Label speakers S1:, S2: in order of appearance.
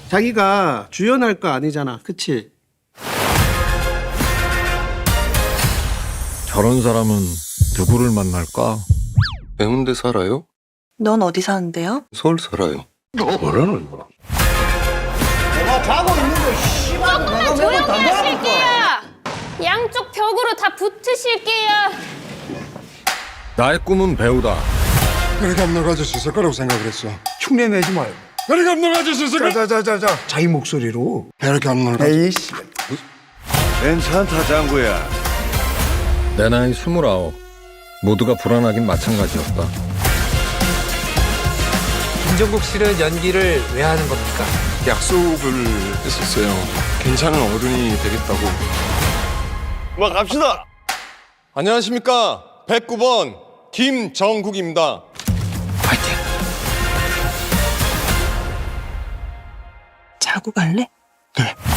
S1: 자기가 주연할 거 아니잖아, 그치?
S2: 저런 사람은 누구를 만날까?
S3: 해운대 살아요?
S4: 넌 어디 사는데요?
S3: 서울 살아요. 뭐라는 거야?
S5: 조금만 조용히 하실게요. 양쪽 벽으로 다 붙으실게요.
S2: 나의 꿈은 배우다.
S6: 그렇게 안 나가질 수 있을 거라고 생각을 했어.
S7: 흉내 내지 마요.
S6: 그렇게 안 나가질 수 있을 거.
S7: 자자자자자. 자기 목소리로.
S6: 이렇게 안 나가.
S7: 에이씨.
S8: 괜찮다 장구야.
S2: 내 나이 29. 모두가 불안하긴 마찬가지였다.
S9: 김종국 씨는 연기를 왜 하는 겁니까?
S3: 약속을 했었어요. 괜찮은 어른이 되겠다고.
S8: 뭐 갑시다.
S3: 안녕하십니까. 109번 김정국입니다.
S9: 파이팅!
S4: 자고 갈래?
S6: 네.